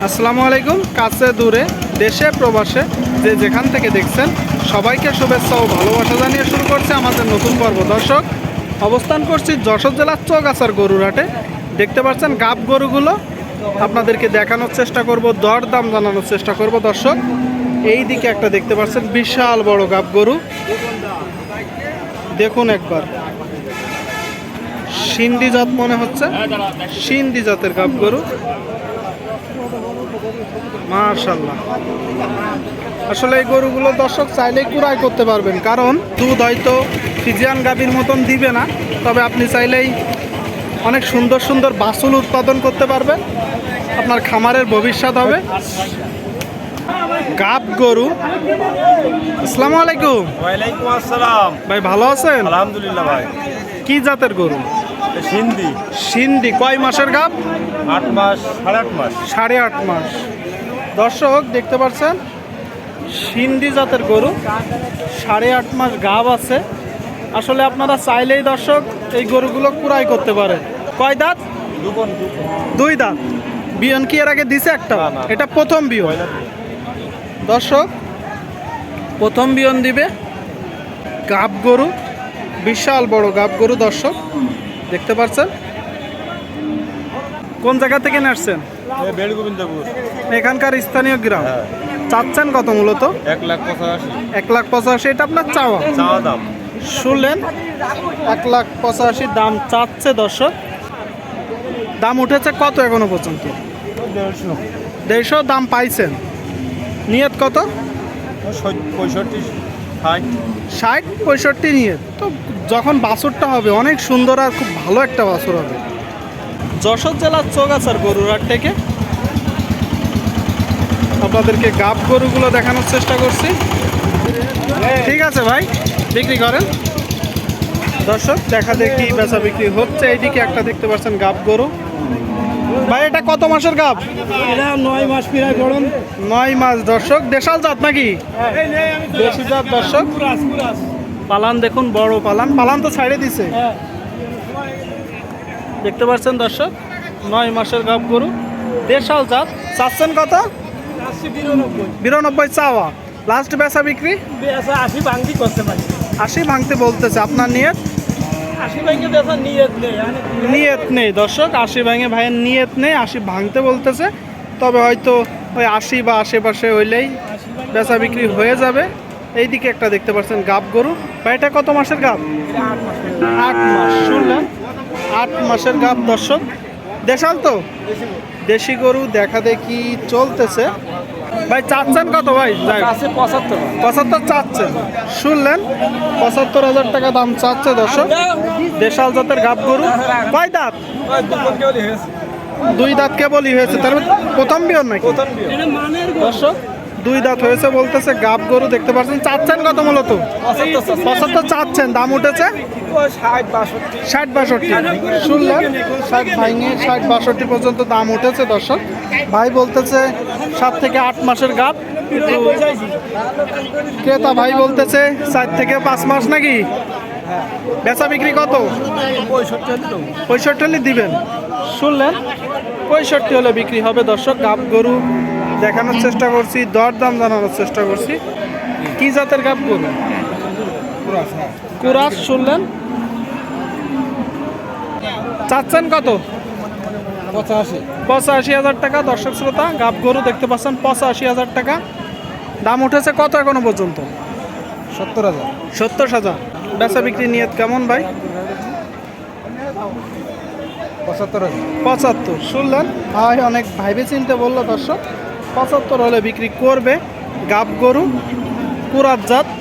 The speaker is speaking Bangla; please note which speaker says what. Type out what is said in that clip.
Speaker 1: আসসালামু আলাইকুম। কাছে দূরে দেশে প্রবাসে যে যেখান থেকে দেখছেন সবাইকে শুভেচ্ছা ও ভালোবাসা জানিয়ে শুরু করছে আমাদের নতুন পর্ব। দর্শক, অবস্থান করছি যশোর জেলার চৌগাছার গরুর হাটে। দেখতে পাচ্ছেন গাব গরুগুলো আপনাদেরকে দেখানোর চেষ্টা করব, দর দাম জানানোর চেষ্টা করব। দর্শক, এই দিকে একটা দেখতে পাচ্ছেন বিশাল বড় গাব গরু, দেখুন একবার, সিন্ধি জাত মনে হচ্ছে, সিন্ধি জাতের গাব গরু, মাশাআল্লাহ। আসলে এই গরুগুলো দর্শক চাইলেই কুড়াই করতে পারবেন, কারণ দুধ হয়তো ফিজিয়ান গাভীর মতন দিবে না, তবে আপনি চাইলেই অনেক সুন্দর সুন্দর বাছুর উৎপাদন করতে পারবেন, আপনার খামারের ভবিষ্যৎ হবে। গাব গরু। আসসালামু আলাইকুম।
Speaker 2: ওয়ালাইকুম আসসালাম।
Speaker 1: ভাই ভালো আছেন?
Speaker 2: আলহামদুলিল্লাহ ভাই।
Speaker 1: কি জাতের গরু?
Speaker 2: সিন্ধি।
Speaker 1: সিন্ধি। কয় মাসের গাব?
Speaker 2: 8 মাস, 8.5 মাস।
Speaker 1: 8.5 মাস। দর্শক দেখতে পাচ্ছেন সিন্ধি জাতের গরু, 8.5 মাস গাব আছে। আসলে আপনারা চাইলেই দর্শক এই গরুগুলো কুড়াই করতে পারে। কয় দাঁত? দুই দাঁত। বিয়ন কি এর আগে দিছে একটা?
Speaker 2: না।
Speaker 1: এটা প্রথম বিয়ন। দর্শক, প্রথম বিয়ন দিবে। গাব গরু, বিশাল বড় গাব গরু। দর্শক দেখতে পাচ্ছেন। কোন জায়গা থেকে আসছেন?
Speaker 2: বেড় গোবিন্দপুর।
Speaker 1: এখানকার স্থানীয় গ্রাম। চাচ্ছেন কত মূলত?
Speaker 2: 1,85,000।
Speaker 1: 1,85,000। এটা আপনার চাওয়া?
Speaker 2: চাওয়া দাম।
Speaker 1: শুনলেন, 1,85,000 দাম চাচ্ছে। দর্শক, দাম উঠেছে কত এখনো পর্যন্ত?
Speaker 2: 150।
Speaker 1: 150 দাম পাইছেন। নিয়ত কত?
Speaker 2: 65, 60।
Speaker 1: 60, 65 নিয়ত। তো যখন বাছুরটা হবে অনেক সুন্দর আর খুব ভালো একটা বাছুর হবে। যশোর জেলার চৌগাছার গরুর হাট থেকে আপনাদেরকে গাব গরুগুলো দেখানোর চেষ্টা করছি। ঠিক আছে ভাই, বিক্রি করেন। দর্শক, দেখা দেখি বেচা বিক্রি হচ্ছে। এইদিকে একটা দেখতে পাচ্ছেন গাব গরু। ভাই এটা কত মাসের গাব?
Speaker 2: 9 মাস প্রায় গড়ন।
Speaker 1: 9 মাস। দর্শক, দেশাল জাত নাকি? দেশি জাত। দর্শক, পালান দেখুন, বড় পালান। পালান তো ছাইড়ে দিছে। দেখতে পাচ্ছেন দর্শক, 9 মাসের গাব গরু, দেশাল জাত। চাচ্ছেন কত? 92 চাওয়া। লাস্ট বেচা বিক্রি 80 ভাঙতে বলতেছে। আপনার নিয়ত? নিয়ত নেই দর্শক, 80 ভাঙে ভাইয়ের নিয়ত নেই, 80 ভাঙতে বলতেছে। তবে হয়তো ওই 80 বা আশেপাশে হইলেই বেচা বিক্রি হয়ে যাবে। এইদিকে একটা দেখতে পাচ্ছেন গাব গরু। ভাই এটা কত মাসের গাব? 8 মাস। শুনলেন, 8 মাসের গাব। দর্শক, দেশাল তো, দেশি গরু দেখা দেখি চলতেছে। ভাই চাচ্ছেন কত? ভাই 75 চাচ্ছেন। শুনলেন, 75,000 টাকা দাম চাচ্ছে। দর্শক, দেশাল জাতের গাব গরু। কয় দাঁত? 2 দাঁত কেবলই হয়েছে। তার প্রথম বিয়ন নাকি? দর্শক, 2 দাঁত হয়েছে বলতেছে। গাব গরু দেখতে পাচ্ছেন। চাচ্ছেন কত মূলত? 75 চাচ্ছেন। দাম উঠেছে 60-62। শুনলেন, 60 ভাঙে 60-62 পর্যন্ত দাম উঠেছে। দর্শক, ভাই বলতেছে 7 থেকে 8 মাসের গাব, কিন্তু ক্রেতা ভাই বলতেছে 4 থেকে 5 মাস নাকি? বেচা বিক্রি কত? 65 দিবেন। শুনলেন, 65 হলে বিক্রি হবে। দর্শক, গাব গরু দেখানোর চেষ্টা করছি, দর দাম জানানোর চেষ্টা করছি। কি জাতের গাব গরু? কুরাস। শুনলেন, চাচ্ছেন কত? 85,000 টাকা। দর্শক শ্রোতা, গাব গরু দেখতে পাচ্ছেন, 85,000 টাকা দাম উঠেছে। কত এখনো পর্যন্ত? 70,000। বেচা বিক্রি নিয়ত কেমন ভাই? 75। শুনলেন, ভাই অনেক ভাইবে চিনতে বললো। দর্শক, 75 হলে বিক্রি করবে। গাব গরু, কুরাত জাত।